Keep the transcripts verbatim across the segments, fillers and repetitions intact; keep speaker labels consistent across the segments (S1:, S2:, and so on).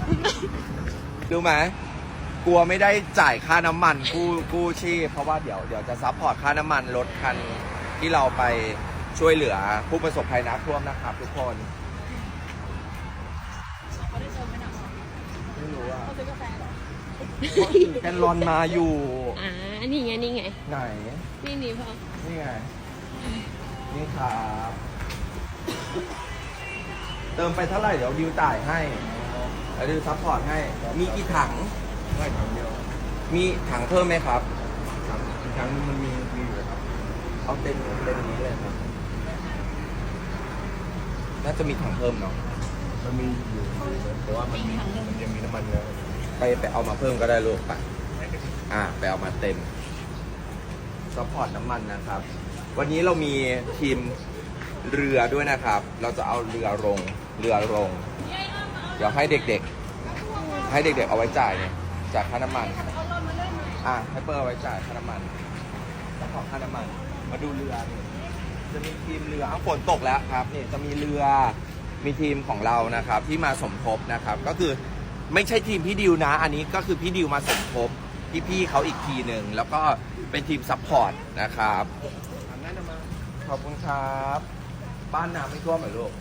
S1: ดูไหมกลัวไม่ได้จ่ายค่าน้ำมันกู้กู้ชีพเพราะว่าเดี๋ยวเดี๋ยวจะซัพพอร์ตค่าน้ำมันรถคันที่เราไปช่วยเหลือผู้ประสบภัยน้ำท่วมนะครับทุกคนไม่รู้อ่ะแกนลอนมาอยู่
S2: อ่านี่ไงนี่ไง
S1: ไหน
S2: นี่นี่พ่อ
S1: นี่ไงนี่ครับเติมไปเท่าไหร่เดี๋ยวดิวจ่ายให้แล้วดิวซัพพอร์ตให้มีกี่ถังไม่ถังเดียวมีถังเพิ่มไหมครับถังอีกถังนึงมันมีมีอยู่ครับเอาเต็มเต็มนี้เลยครับน่าจะมีถังเพิ่มเนาะมันมีอยู่แต่ว่ามันมีมันยังมีน้ำมันเยอะไปไปเอามาเพิ่มก็ได้ลูกไปอ่าไปเอามาเต็มซัพพอร์ตน้ำมันนะครับวันนี้เรามีทีมเรือด้วยนะครับเราจะเอาเรือลงเรือลงเดี๋ยวให้เด็กๆให้เด็กๆเอาไว้จ่ายเนี่ยจากค่าน้ำมันอ่ะให้เปิดเอาไว้จ่ายค่าน้ำมันแล้วขอค่าน้ำมันมาดูเรือนี่จะมีทีมเรืออ้าวฝนตกแล้วครับนี่จะมีเรือมีทีมของเรานะครับที่มาสมทบนะครับก็คือไม่ใช่ทีมพี่ดิวนะอันนี้ก็คือพี่ดิวมาสมทบพี่ๆเขาอีกทีหนึ่งแล้วก็เป็นทีมซัพพอร์ตนะครับขอบคุณครับบ้านน้ำไม่ท่วมเหรอลูก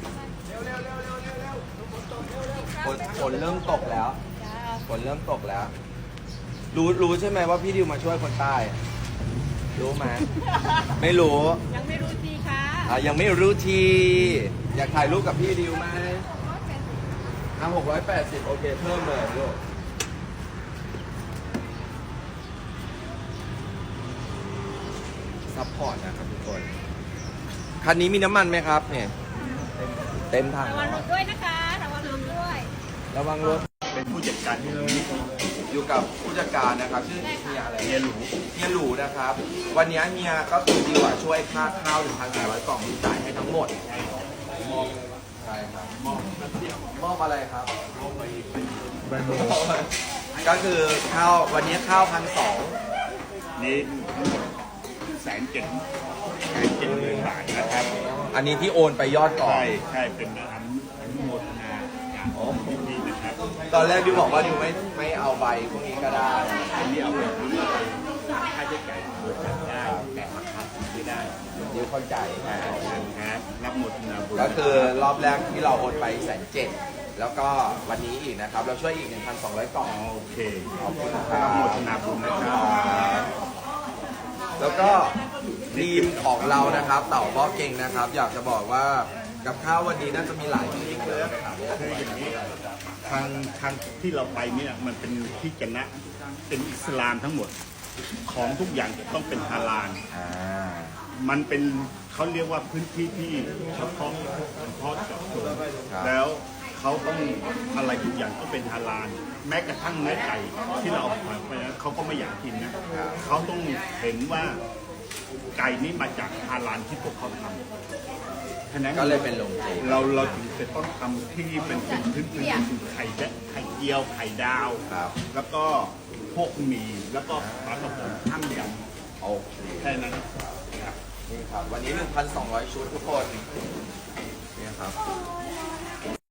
S1: ฝนฝนเริ่มตกแล้วฝนเริ่มตกแล้วรู้รู้ใช่ไหมว่าพี่ดิวมาช่วยคนใต้รู้ไหมไม่รู้
S2: ยังไม่รู้ทีค่ะ
S1: อ่ะยังไม่รู้ทีอยากถ่ายรูปกับพี่ดิวไหมอ่ะหกร้อยแปดสิบโอเคเพิ่มเลยลูกซัพพอร์ตนะครับทุกคนคันนี้มีน้ำมันไหมครับเนี่ยเต็มถัง
S2: ระวังรถด้วยนะคะระวังรถด้วย
S1: ระวังรถ
S3: เป็นผู้จัดการที่เรา
S1: อยู่กับผู้จัดการนะครับชื่อเฮียอะไร
S3: เฮียหลู
S1: เฮียหลูนะครับวันนี้เฮียก็คือดีกว่าช่วยค่าข้าวหนึ่งพันสี่ร้อยกล่องที่จ่ายให้ทั้งหมดมอบใช่ครับมอบมอบอะไรครับมอบไปไปก็คือข้าววันนี้ข้าวพันสอง
S3: นี่แสนเจ็ดแสนเจ็ดหมื่นบาทนะครับ
S1: อันนี้ที่โอนไปยอดก่อน
S3: ใช่ใช่เป็นอนุโมทนาจากพี่นะครับ
S1: ตอนแรกดิวบอกว่าดิวไม่ไม่เอาใบพวกนี้ก็ได้
S3: ที่เอาไปค่าใช้จ่ายบริษัทได้แต่ราคาไม่ได้
S1: ดิวเข้าใจ
S3: นะครับรับโมทนาบุญ
S1: ก็คือรอบแรกที่เราโอนไปแสนเจ็ดแล้วก็วันนี้อีกนะครับเราช่วยอีก หนึ่งพันสองร้อย กล่อง
S3: โอเค
S1: ขอบคุณครับ
S3: รับโมทนาบุญนะครับ
S1: แล้วก็ทีมของเรานะครับเต่าพ่อเก่งนะครับอยากจะบอกว่ากับข้าววันนี้น่าจะมีหลายทีมเลย
S3: คืออย่างนี้ทางทางที่เราไปเนี่ยมันเป็นที่จะนะเป็นอิสลามทั้งหมดของทุกอย่างต้องเป็นฮาลาลมันเป็นเขาเรียกว่าพื้นที่ที่เฉพาะเฉพาะเจาะจงแล้วเขาต้องอะไรทุกอย่างต้องเป็นฮาลาลแม้กระทั่งเนื้อไก่ที่เราเอาไปเขาก็ไม่อยากกินนะเขาต้องเห็นว่าไก่นี้มาจากฮาลาลที่พวกเขาทำฉะนั้น
S1: ก็เลยเป็นลงเจ
S3: เราเราถึงจะต้องทำที่เป็นเป็นพื้นพื้นไข่และไข่เจียวไข่ดาวแล้วก็พวกหมี่แล้วก็ปลากระป๋องข้ามยำ
S1: โอเค
S3: แค่นั้น
S1: นี่ครับวันนี้ หนึ่งพันสองร้อย ชุดทุกคนนี่ครับ